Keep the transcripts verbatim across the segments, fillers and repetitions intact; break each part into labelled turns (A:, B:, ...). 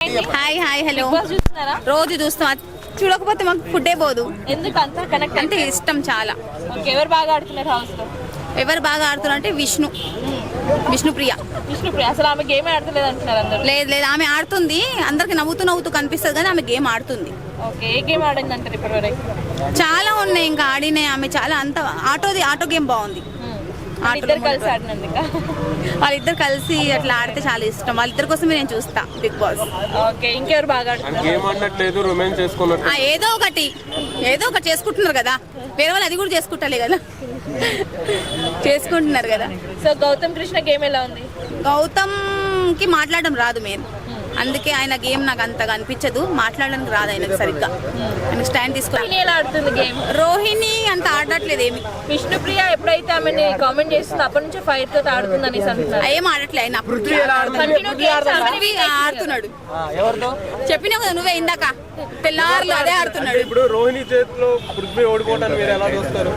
A: Hi hi hello రోజు చూస్తాం, చూడకపోతే మాకు ఫుడ్డే పోదు.
B: ఎందుకు అంత కనెక్ట్
A: అంటే ఇష్టం చాలా.
B: ఎవరు బాగా ఆడుతున్నారు హౌస్ లో?
A: ఎవరు బాగా ఆడుతున్నారు అంటే విష్ణు విష్ణుప్రియ.
B: విష్ణుప్రియ అసలు ఆమె గేమ్ ఆడతలేదు అంటున్నారు అందరూ.
A: లేదు లేదు ఆమె ఆడుతుంది, అందరికి నవ్వుతూ నవ్వుతూ కనిపిస్తుంది కానీ ఆమె గేమ్ ఆడుతుంది.
B: ఓకే, ఏ గేమ్ ఆడింది అంటారు ఇప్పటి వరకు?
A: చాలా ఉన్నాయి ఇంకా ఆడినాయి ఆమె చాలా. అంత ఆటోది ఆటో గేమ్ బాగుంది.
B: ఇద్దరు కలిసి ఆడినందుక
A: వాళ్ళిద్దరు కలిసి అట్లా ఆడితే చాలా ఇష్టం. వాళ్ళిద్దరి కోసమే నేను చూస్తా బిగ్ బాస్.
B: ఓకే, ఇంకెవరు బాగా ఆడుతున్నారు?
A: ఏదో ఒకటి ఏదో ఒకటి చేసుకుంటున్నారు కదా, వేరే వాళ్ళు అది కూడా చేసుకుంటలే కదా, చేసుకుంటున్నారు కదా.
B: సో గౌతమ్ కృష్ణ గేమ్ ఎలా ఉంది?
A: గౌతమ్ కి మాట్లాడడం రాదు మెయిన్, అందుకే ఆయన గేమ్ నాకు అంతగా అనిపించదు. మాట్లాడడానికి రాదు ఆయనకు సరిగ్గా, ఆయన స్టాండ్ తీసుకొని.
B: ఎలా ఆడుతుంది గేమ్?
A: రోహిణి అంత ఆడట్లేదు ఏమి.
B: విష్ణుప్రియ ఎప్పుడైతే ఆమెని కామెంట్ చేస్తుందో అప్పటి నుంచి ఫైర్ తో ఆడుతుంది అనేసి అంటున్నారు.
A: ఏం ఆడట్లే ఆయన ఆడుతున్నాడు. చెప్పినా కదా నువ్వే ఇందాక, తెల్లారులు అదే ఆడుతున్నాడు.
C: ఇప్పుడు రోహిణి చేతిలో పృథ్వీ ఓడిపోవటాన్ని మీరు ఎలా చూస్తారు?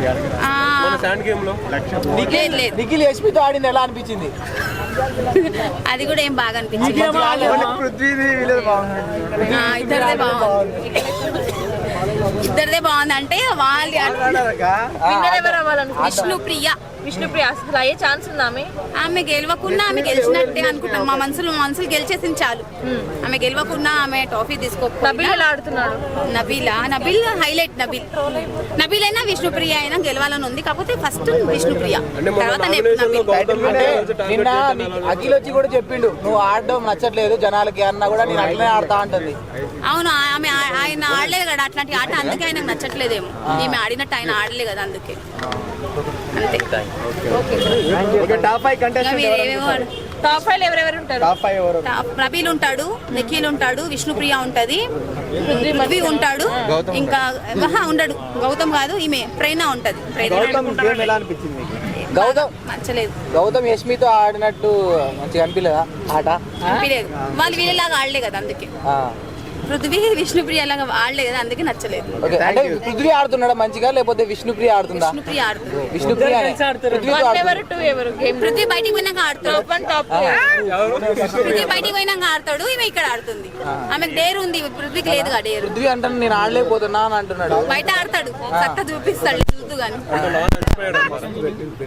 D: నిఖిల్ యశ్మితో ఆడింది ఎలా అనిపించింది?
A: అది కూడా ఏం బాగా అనిపించింది. ఇద్దరిదే బాగుంది, ఇద్దరిదే బాగుంది. అంటే వాళ్ళు విష్ణుప్రియ
B: విష్ణుప్రియ అసలు అయ్యే ఛాన్స్ ఉందా? ఆమె
A: ఆమె గెలవకున్నా ఆమె గెలిచినట్టే అనుకుంటాం. మా మనసులు మనసులు గెలిచేసింది చాలు. ఆమె గెలవకున్నా ఆమె ట్రోఫీ తీసుకో.
B: నబీల్ ఎలా ఆడుతున్నాడు?
A: నబీలా నబీల్ హైలైట్. నబీల్ నబీల్ అయినా విష్ణుప్రియ అయినా గెలవాలని ఉంది, కాకపోతే ఫస్ట్ విష్ణుప్రియ తర్వాత
D: నిన్న అఖిల్ వచ్చి కూడా చెప్పిండు నువ్వు ఆడడం నచ్చట్లేదు జనాలకి అన్నా కూడా నేను అట్లనే ఆడతా అంటుంది.
A: అవును, ఆమె ఆయన ఆడలేదు కదా అట్లాంటి ఆట, అందుకే ఆయనకు నచ్చట్లేదేమో. ఈమె ఆడినట్టు ఆయన ఆడలే కదా, అందుకే అంతే.
D: టాప్ ఫైవ్
B: టాప్ ఫైవ్ ఎవరెవరు ఉంటారు?
A: నబీల్ ఉంటాడు, నిఖిల్ ఉంటాడు, విష్ణుప్రియ ఉంటది, పృథ్వీ ఉంటాడు, ఇంకా ఉండడు గౌతమ్ కాదు, ఈమె ప్రేరణ ఉంటది.
D: గౌతమ్
A: నచ్చలేదు.
D: గౌతమ్ యశ్మితో ఆడినట్టు మంచిగా అనిపించలేదా ఆట?
A: అనిపించలేదు, వాళ్ళు వీళ్ళలాగా ఆడలే కదా, అందుకే. పృథ్వీ విష్ణుప్రియ లాగా ఆడలే కదా, అందుకే నచ్చలేదు.
D: అంటే పృథ్వీ ఆడుతున్నాడా మంచిగా, లేకపోతే విష్ణుప్రియ ఆడుతుందా?
A: విష్ణుప్రియ ఆడుతుంది.
D: విష్ణుప్రియ
A: పృథ్వీ బయటికి పోయినాక ఆడతాడు, పృథ్వీ బయటికి పోయినాక ఆడతాడు, ఈమె ఇక్కడ ఆడుతుంది. ఆమెకు డేర్ ఉంది, పృథ్వీకి లేదు కదా డేర్.
D: పృథ్వీ అంటే నేను ఆడలేకపోతున్నా అని అంటున్నాడు.
A: బయట ఆడతాడు, సత్తా చూపిస్తాడు చూద్దు గాని.